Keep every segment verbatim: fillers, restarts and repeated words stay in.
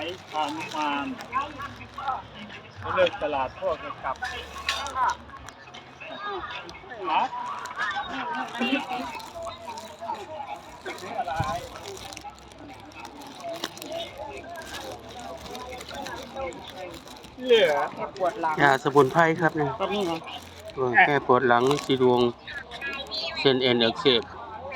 ายพานุมานเลิกตลาดพวกกลับฮะเหลือปวดหลังยาสมุนไพรครับเนี่ยก็นี่ไงแก้ปวดหลังสีดวงเส้นเอ็นอักเสบ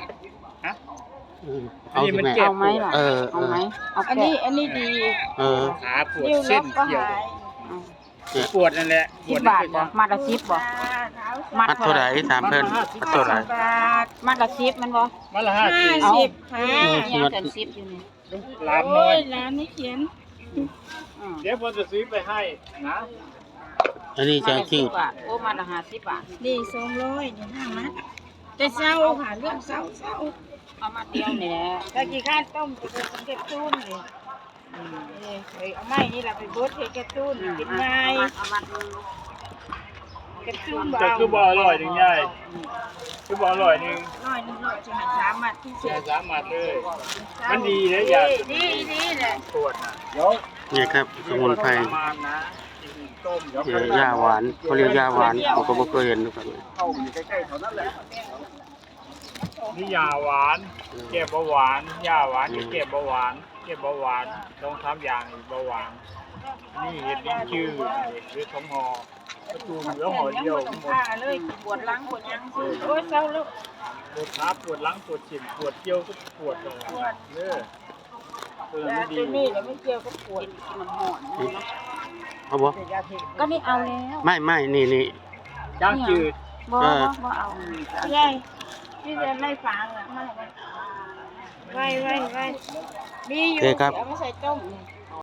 เอาสิแม่เอาไหมล่ะเออเอาไหมเอาอันนี้อันนี้ดีเออขาปวดเส้นเกี่ยวปวดนั่นแหละสิบบาทบ่มัดละสิบบ่มัดเท่าไหร่ถามเพิ่นมัดเท่าไหร่มัดละสิบมันบ่มัดละห้าสิบค่ะยังแต่สิบอยู่นี่ร้านน้อยร้านนี้เขียนเดี๋ยวผมจะซื้อไปให้นะอันนี้จะคิวโอ้มัดละห้าสิบบาทนี่สองร้อยนี่ห้ามัดแต่เศร้าค่ะเรื่องเศร้าเศร้าเอามาเดียวนี่แหละตะกี้ข้าต้มจะเป็นเก็บตุ้นเลยนี่เอาไม้นี่แหละไปบดให้เก็บตุ้นกินง่ายเก็บตุ้นบ่จะคือบ่อร่อยหนึ่งใหญ่คือบ่อร่อยหนึ่งร้อยหนึ่งร้อยจะหันสามมัดที่เสียสามมัดเลยมันดีนะยาดีดีแหละปวดนะเดี๋ยวนี่ครับสมุนไพรต้มยาหวานเขาเรียกยาหวานผมก็ไม่เคยเห็นนะครับเข้าอยู่ใกล้ๆเท่านั้นแหละนี่ยาหวานแก้เบาหวานยาหวานแก้เบาหวานแก้เบาหวานต้องทำอย่างเบาหวานนี่เห็ดลิ้นจืดหรือของห่อประตูเหลือห่อเดียวหมดเลยปวดหลังปวดยังโอ้ยเศร้าแล้วปวดขาปวดหลังปวดเฉียงปวดเกี่ยวก็ปวดเลยเออตัวนี้นี่เดี๋ยวไม่เกี่ยวก็ปวดมันห่อนเอาบ่ก็นี่เอาแล้วไม่ไม่นี่นี่ย่างจืดบ่บ่เอาใช่ที่จะไม่ฟังอ่ะไม่ไว้ไว้ไว้ดีอยู่เอามาใส่ต้ม